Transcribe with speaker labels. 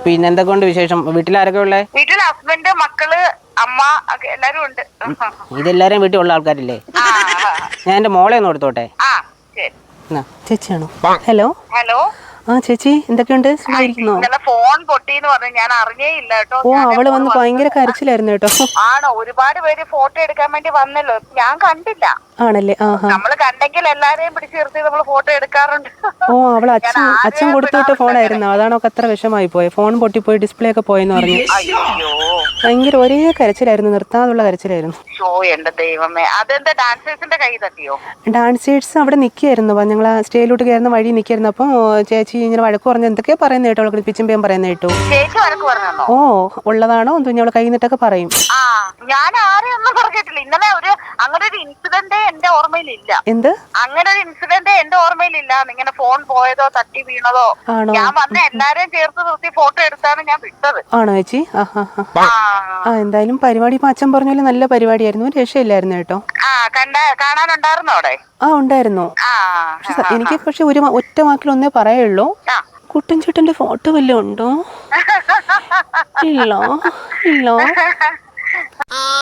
Speaker 1: പിന്നെ എന്തൊക്കെയുണ്ട് വിശേഷം? വീട്ടിലാരൊക്കെ ഉള്ളേ?
Speaker 2: വീട്ടിൽ ഹസ്ബൻഡ്, മക്കള്, അമ്മ എല്ലാരും ഉണ്ട്.
Speaker 1: ഇതെല്ലാരും വീട്ടിൽ ഉള്ള ആൾക്കാരില്ലേ? ഞാൻ എന്റെ മോളെ ഒന്ന് കൊടുത്തോട്ടെ. ചേച്ചിയാണോ? Hello
Speaker 2: hello.
Speaker 1: ആ ചേച്ചി, എന്തൊക്കെയുണ്ട്? സുഖമായിരിക്കുന്നോ?
Speaker 2: ഫോൺ പൊട്ടിന്ന് പറഞ്ഞു, ഞാൻ അറിഞ്ഞേ ഇല്ല കേട്ടോ.
Speaker 1: ഓ, അവള് വന്ന് ഭയങ്കര കരച്ചിലായിരുന്നു കേട്ടോ.
Speaker 2: ആണോ? ഒരുപാട് പേര് ഫോട്ടോ എടുക്കാൻ വേണ്ടി വന്നല്ലോ, ഞാൻ കണ്ടില്ല.
Speaker 1: ആണല്ലേ?
Speaker 2: നമ്മള് കണ്ടെങ്കിൽ എല്ലാരെയും പിടിച്ചു നിർത്തി നമ്മൾ ഫോട്ടോ എടുക്കാറുണ്ട്.
Speaker 1: ഓ, അവൾ അച്ഛൻ കൊടുത്തുവിട്ട ഫോണായിരുന്നു, അതാണോ അത്ര വിഷമായി പോയി. ഫോൺ പൊട്ടിപ്പോയി, ഡിസ്പ്ലേ ഒക്കെ പോയെന്ന് പറഞ്ഞു. ഭയങ്കര ഒരേ കരച്ചിലായിരുന്നു, നിർത്താതുള്ള കരച്ചിലായിരുന്നു.
Speaker 2: എന്റെ ദൈവമേ, അതെന്താ ഡാൻസേഴ്സിന്റെ കൈ തട്ടിയോ?
Speaker 1: ഡാൻസേഴ്സ് അവിടെ നിൽക്കുകയായിരുന്നു, ഞങ്ങൾ സ്റ്റേജിലോട്ട് കയറുന്ന വഴി നിൽക്കായിരുന്നു. അപ്പം ചേച്ചി ഇങ്ങനെ വഴക്ക് പറഞ്ഞ് എന്തൊക്കെയാ പറയുന്നത് കേട്ടോ, അവൾക്ക് പിച്ചുമ്പേം പറയുന്നത് കേട്ടോ. ഓ, ഉള്ളതാണോ എന്തോ അവളെ കൈ നിട്ടൊക്കെ പറയും.
Speaker 2: ഞാൻ ആരെയും ഒന്നും പറഞ്ഞിട്ടില്ല. ഇന്നലെ അങ്ങനെ ഒരു ഇൻസിഡന്റ് എന്റെ ഓർമ്മയിലില്ല.
Speaker 1: എന്ത്?
Speaker 2: അങ്ങനെ ഒരു ഇൻസിഡന്റ് എന്റെ ഓർമ്മയിലില്ല. ഇങ്ങനെ ഫോൺ പോയതോ തട്ടി വീണതോ. ഞാൻ വന്ന എല്ലാരെയും ചേർത്ത് നിർത്തി ഫോട്ടോ എടുത്താണ് ഞാൻ വിട്ടത്.
Speaker 1: ആണോ ചേച്ചി? എന്തായാലും പരിപാടി ഇപ്പൊ അച്ഛൻ പറഞ്ഞ പോലെ നല്ല പരിപാടിയായിരുന്നു, രക്ഷയില്ലായിരുന്നു കേട്ടോ.
Speaker 2: കാണാനുണ്ടായിരുന്നോ അവിടെ?
Speaker 1: ഉണ്ടായിരുന്നു. എനിക്ക് പക്ഷെ ഒറ്റ വാക്കിൽ ഒന്നേ പറയുള്ളൂ, കുട്ടൻ ചേട്ടന്റെ ഫോട്ടോ വല്ലതും ഉണ്ടോ? ഇല്ല.